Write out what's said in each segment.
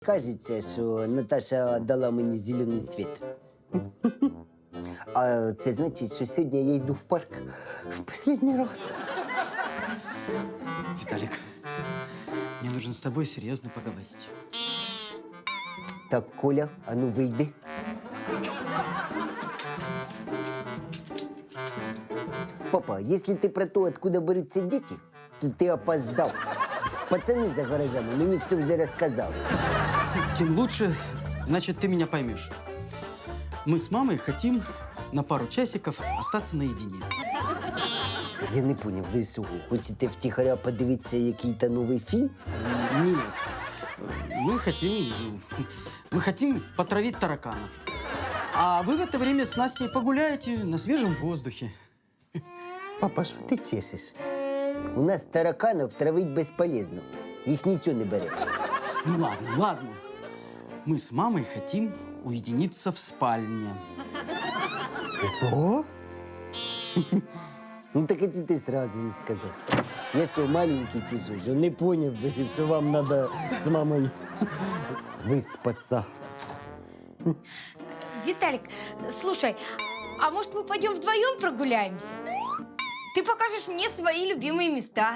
Кажеться, що Наташа дала мені зелений цвіт. А це значить, що сьогодні я йду в парк в останній раз. Виталик, мне нужно с тобой серьезно поговорить. Так, Коля, а ну вийди. Папа, если ты про то, откуда берутся дети, то ты опоздал. Пацаны за гаражами мне все уже рассказали. Тем лучше, значит, ты меня поймешь. Мы с мамой хотим на пару часиков остаться наедине. Я не понял, ви що, хочете втихаря подивитися який-то новий фільм? Нет, мы хотим потравить тараканов. А вы в это время с Настей погуляете на свежем воздухе. Папа, що ти чешеш? У нас тараканов травить безполезно. Їх нічого не бере. Ну ладно, ладно. Мы с мамой хотим уединиться в спальне. Ого? Ну так а чого ти сразу не сказав? Я що, маленький чи що не поняв би, що вам треба з мамою виспатися. Виталик, слушай, а может мы пойдем вдвоем прогуляемся? Ты покажешь мне свои любимые места.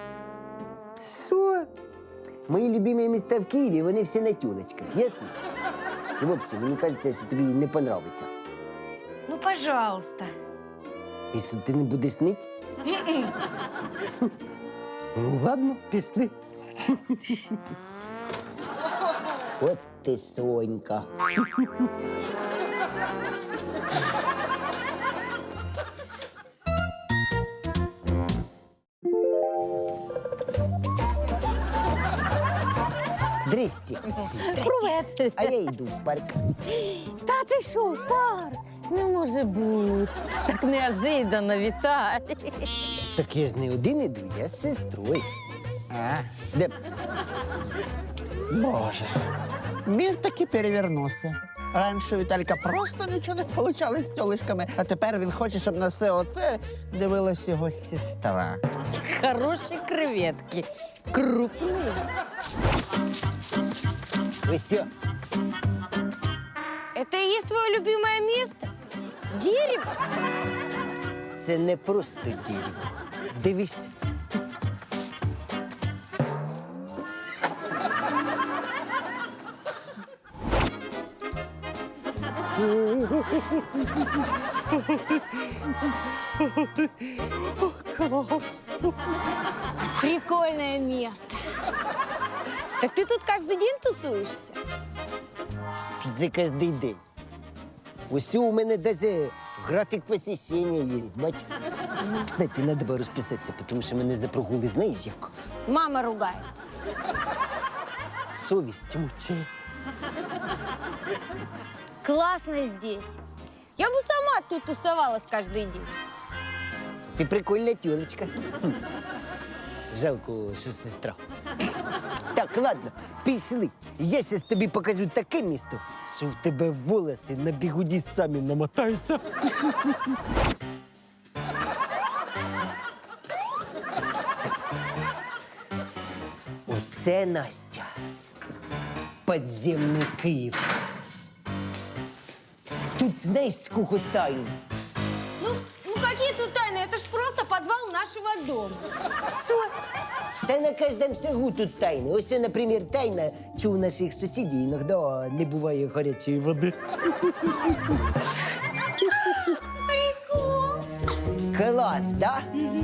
Що? Мої любимі міста в Києві, вони всі на тюлечках, ясно? І взагалі, мені кажеться, що тобі не понравиться. Ну, пожалуйста. І що, ти не будеш нить? Ну, ладно, пішли. От ти, Сонька. Здрасте. Привет. А я йду в парк. Та ти що, в парк? Не може бути. Так неожиданно, Віталій. Так я ж не один іду, я з сестрою. Де? Боже, мір таки перевернувся. Раніше у Віталька просто нічого не получалось з тілишками, а тепер він хоче, щоб на все оце дивилась його сестра. Хороші креветки. Крупні. Ви що? Это и есть твое любимое место? Дерево? Це не просто дерево. Дивись. Клас! Прикольное место. Так ты тут каждый день тусуешься? Що це кожен день. Ось у мене навіть графік посещення є, бач? Кстати, треба було розписатися, тому що мене за прогули знаєш як? Мама ругает. Совість мучає. Классно здесь. Я бы сама тут тусовалась каждый день. Ти прикольна тюлечка. Жалко, що сестра. Так, ладно, пішли. Я зараз тобі покажу таке місто, що в тебе волоси на бігуді самі намотаються. Оце, Настя, підземний Київ. Тут знаєш, скільки тайн? Ну какие тут тайны? Это ж просто подвал нашего дома. Що? Та на кожному шагу тут тайни. Ось, наприклад, тайна, що у наших сусідів іноді не буває гарячої води. Прикол. Клас, да?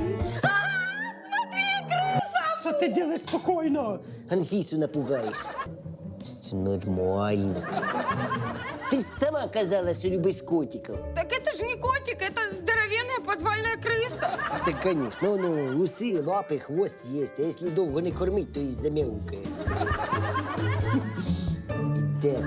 Що ти робиш спокійно? Анфісу напугаєш. Все нормально. Ти ж сама казала, що любиш котиків. Так это же не котик, это здоровенная подвальная крыса. Так, звісно, ну, уси, лапи, хвост є, а якщо довго не кормить, то і замяукає. Іде.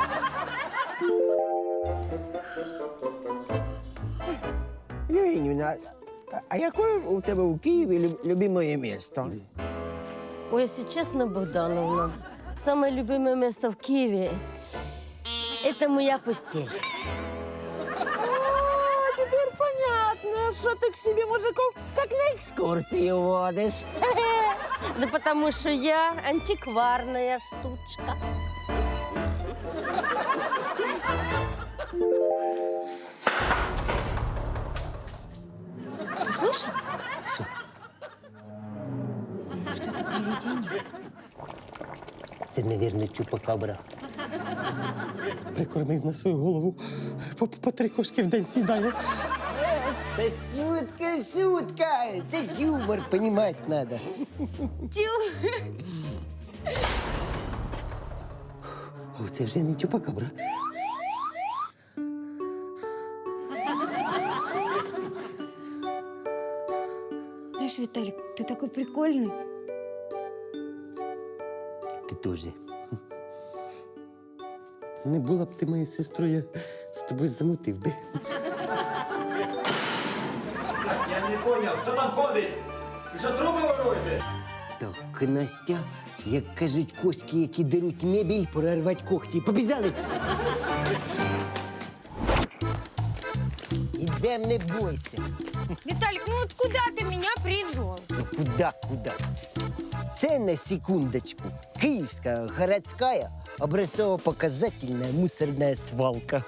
Євгенівна, а яке у тебе у Києві любимое місто? Ой, если честно, Богдановна, самое любимое место в Киеве – это моя постель. О, тепер понятно, що ти к собі мужиков як на екскурсію водиш. Да потому что я антикварная штучка. Ты слышал? Що? Может, это привидение? Це, мабуть, чупакабра. Прикормив на свою голову. По 3 кошки в день з'їдає. Та шутка, шутка! Це ж юмор, понімати треба. Тю. О, це вже не чупакабра. Знаешь, Виталик, ты такой прикольный. Ти теж. Не була б ти моєю сестрою, я з тобою замутив би. Я не поняв, хто там ходить? Ви що труби воруєте? Так, Настя, як кажуть коськи, які деруть мебіль, пора рвати когті. Побіжали! Ідем, не бойся. Виталик, ну вот куда ты меня привел? Ну куда? Це на секундочку. Київська городська образцово-показательная мусорная свалка.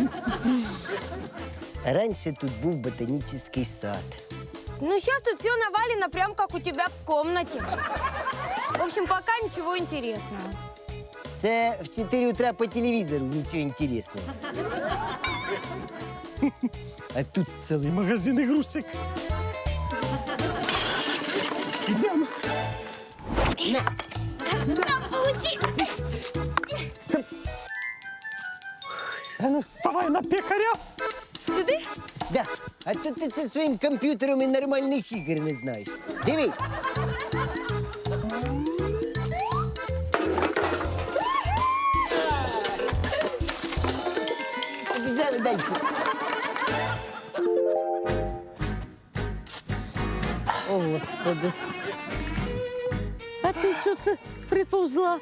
Раньше тут був ботанический сад. Ну, сейчас тут все навалено, прям как у тебя в комнате. В общем, пока ничего интересного. Це в 4 утра по телевізору нічого інтересного. А тут цілий магазин ігрушек. Ідемо. На, получи! Стоп. А ну вставай на пекаря. Сюда? Да. А то ти зі своїм комп'ютером і нормальних ігор не знаєш. Дивись. Побіжали далі. О, Господи. А ти чого це приповзла?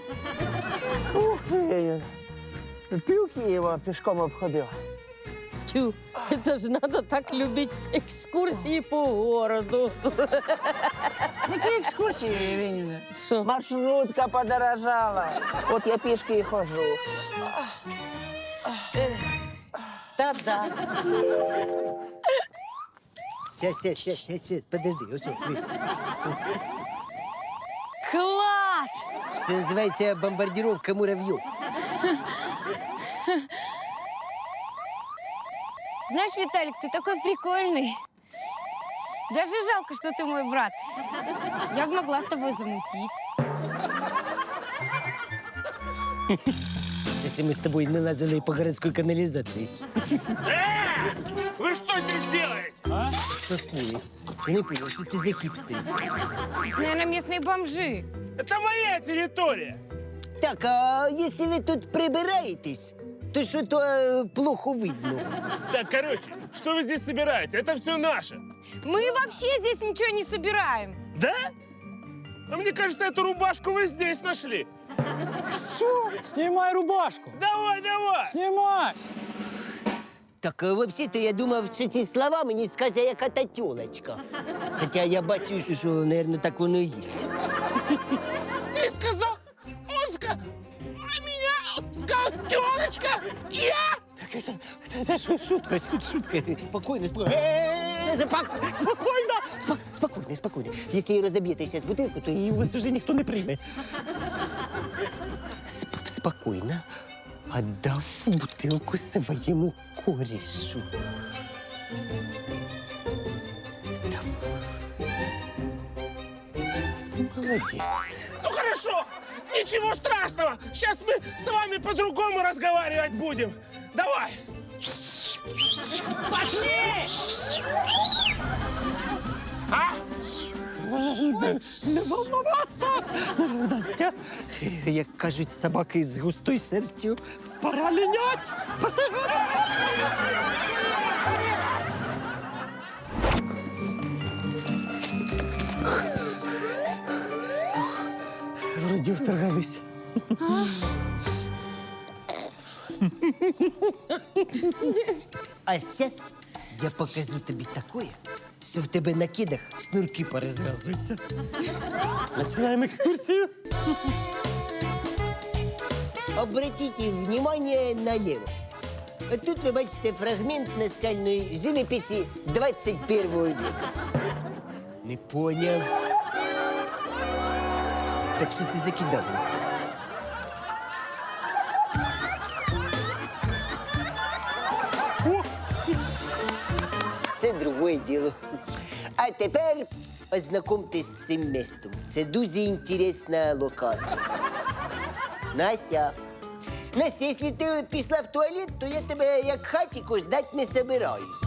Пів Києва пішком обходила. Тю, это же надо так любить экскурсии по городу. Які екскурсії, Євгенівна? Що? Маршрутка подорожала. От я пішки і ходжу. Та-да. Сейчас, подожди. Ось, ось. Класс! Це називається бомбардировка муравйов. Знаешь, Виталик, ты такой прикольный. Даже жалко, что ты мой брат. Я бы могла с тобой замутить. Це ще ми з тобою не лазили по городській каналізації. Вы что здесь делаете? Какую? Я не понял, що це за хіпстери. Это, наверное, местные бомжи. Это моя территория. Так, а якщо ви тут прибираєтесь, то що-то плохо видно. Так, короче, что вы здесь собираете? Это все наше. Мы вообще здесь ничего не собираем. Да? А мне кажется, эту рубашку вы здесь нашли. Знімай рубашку. Давай, давай. Знімай. Так, взагалі-то я думав, що ці слова мені скаже яка-то тёлочка. Хоча я бачу, що, мабуть, так воно і є. Ты сказал, он сказал, а меня сказал тёлочка. Я? Так, це шутка. Спокійно. Спокійно. Якщо її розоб'єте зараз бутилку, то її у вас вже ніхто не прийме. Спокійно. Отдав бутилку своєму корішу. Молодець. Ну хорошо, ничего страшного. Сейчас мы с вами по-другому разговаривать будем. Давай. Пошли! А? Не волноваться! Настя, як кажуть собаки з густою шерстю, пора лінять! Посигати! Вроді вторгались. А зараз я покажу тобі таке, що в тебе на кидах шнурки порозв'язуються. Починаємо екскурсію. обратіть внимание налево. Тут ви бачите фрагмент наскальної живописі 21 века. Не поняв. Так що це за кидали? Це другое діло. А тепер ознакомтесь з цим містом. Це дуже інтересна локація. Настя. Настя, якщо ти пішла в туалет, то я тебе як хатіко ждать не собираюсь.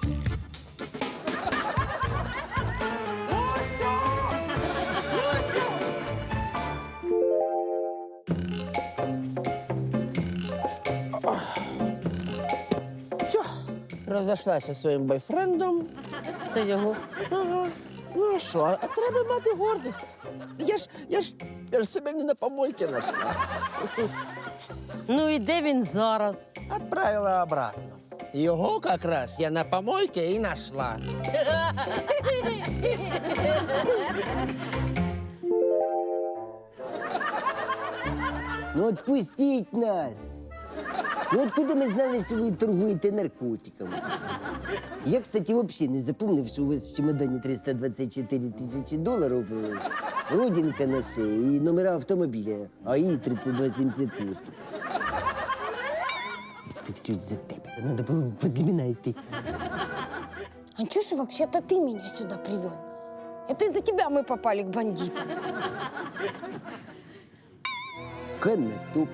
Настя! Настя! Все, розійшлася зі своїм бойфрендом. Це його. Ага. Ну а що, а треба мати гордість. Я ж себе не на помойці знайшла. Ну і де він зараз? Отправила обратно. Його якраз я на помойці і знайшла. Ну отпустіть нас. Ну откуда ми знали, що ви торгуєте наркотиками? Я, кстати, взагалі не запомнив, що у вас в чемодані 324 тисячі доларів, родинка на шиї і номера автомобіля АІ 3278. Це все з-за тебе. Надо було возле мене йти. Анчуша, вообще-то ты меня сюда привел. Это из-за тебя мы попали к бандитам. Канатоп.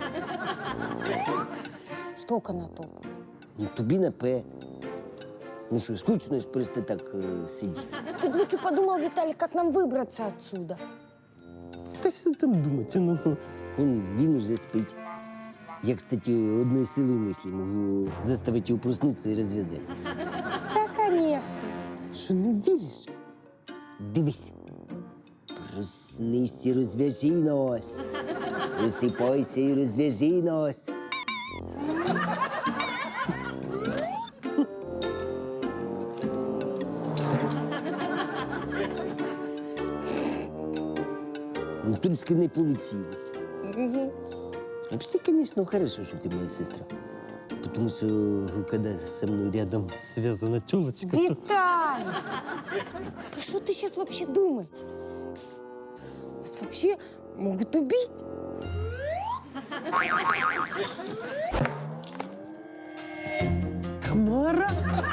Что канатоп? Ну, тобі на П. Ну що, скучно ж просто так сидіти. Ты бы лучше подумал, Виталий, как нам выбраться отсюда. Та що там думати? Ну, він уже спить. Я, кстати, одной силой мысли могу заставить его проснуться и развязаться. Да, конечно. Що не віриш? Дивись. Проснись і розв'яжи нас. Просипайся і розв'яжи нас. Ну, трошки не получилось. Вообще, конечно, хорошо, что ты моя сестра. Потому что, когда со мной рядом связана тёлочка, то... Виталий! Да что ты сейчас вообще думаешь? Нас вообще могут убить. Тамара?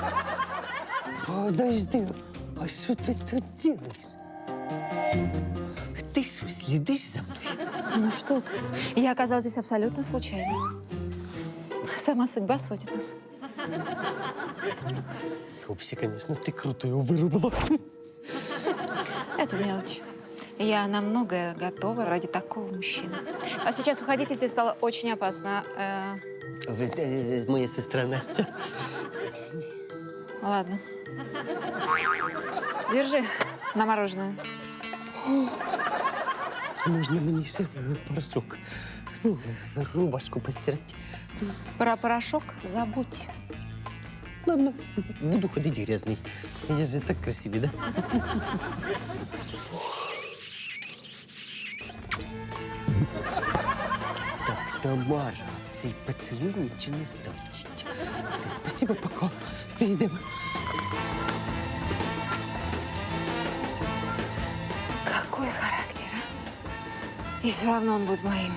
Подожди, а что ты тут делаешь? Ты что, следишь за мной? Ну что ты? Я оказалась здесь абсолютно случайно. Сама судьба сводит нас. Вообще, конечно, ты круто его вырубила. Это мелочь. Я на многое готова ради такого мужчины. А сейчас уходите, здесь стало очень опасно. Моя сестра Настя. Ладно. Держи на мороженое. Можно мне еще порошок? Ну, рубашку постирать. Про порошок забудь. Ладно, буду ходить грязный. Я же так красивый, да? Так, Тамара, цей поцілуй нічого не значить. Все, спасибо, пока. Підемо. Какой характер, а? И все равно он будет моим.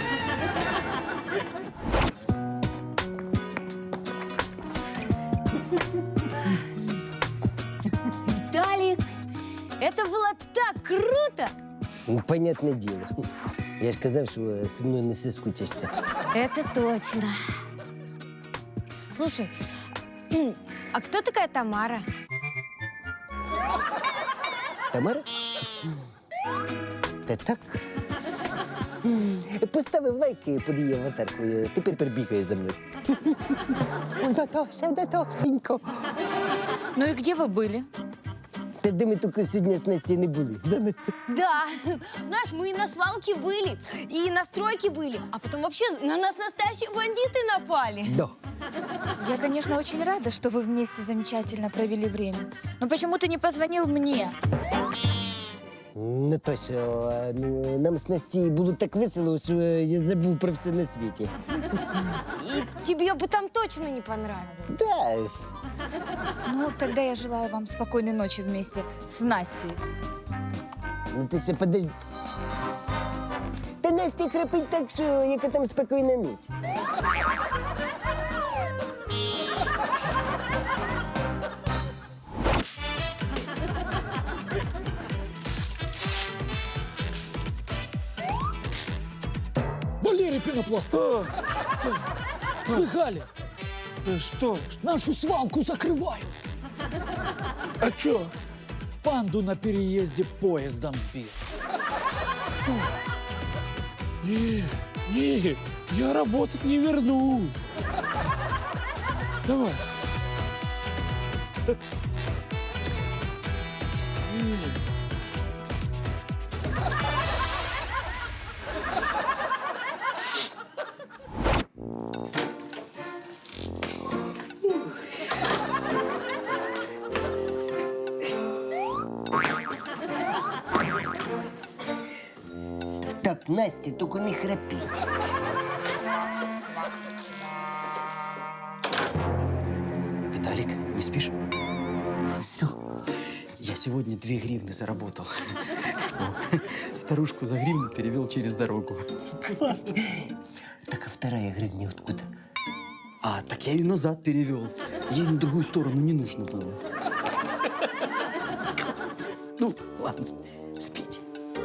Виталик, это было так круто! Ну, понятне діло. Я ж казав, що зі мною не соскучишся. Это точно. Слушай, а кто такая Тамара? Тамара? Та так. Поставив лайк під її аватаркою, тепер перебігає за мною. Ой, Наташа, Наташенько. Ну и где вы были? Та де ми тільки сьогодні з Настю не були, да, Настя? Да, знаешь, мы и на свалке были, и на стройке были, а потом вообще на нас настоящие бандиты напали. Да. Я, конечно, очень рада, что вы вместе замечательно провели время. Но почему ты не позвонил мне? Не то, що ну, нам з Настей було так весело, що я забув про все на світі. И тебе бы там точно не понравилось. Да, Ну, тогда я желаю вам спокойной ночи вместе с Настей. ну ти ще подожди. Та Настя храпить так, що яка там спокійна ніч. Валерий Пенопласт! Слыхали? Что? Нашу свалку закрывают. А чё? Панду на переезде поездом сбил. Не, я работать не вернусь. Давай. Так, Настя, тільки не храпіть. Виталик, не спишь? Все. Я сегодня 2 гривны заработал. Старушку за гривну перевел через дорогу. Так, а вторая гривня откуда? А, так я ее назад перевел. Ей на другую сторону не нужно было. Ну, ладно, спите.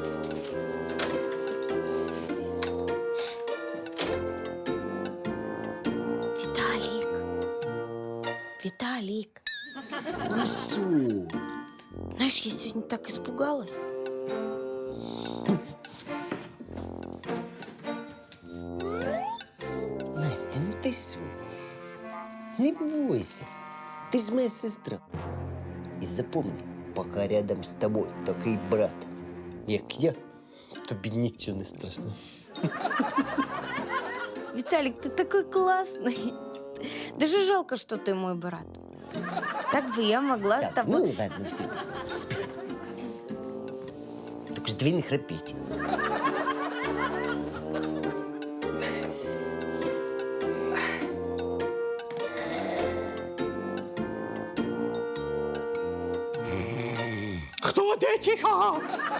Виталик, Ну що? знаешь, я сегодня так испугалась. Настя, ну ти що? Не бойся. Ти ж моя сестра. І запомни, поки рядом з тобою такий брат, як я, тобі нічого не страшно. Виталик, ты такой классный. Даже жалко, что ты мой брат. Так бы я могла с Так, тобой... ну ладно, все, спи. Тільки ж дві не храпіть. Кто де тихо?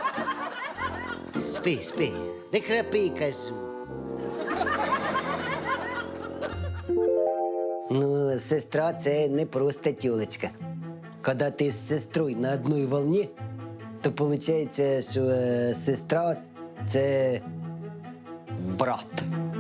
Спи, спи, не храпи, кажу. Ну, сестра це не просто тёлочка. Коли ти з сестрою на одній волні, то виходить, що сестра це брат.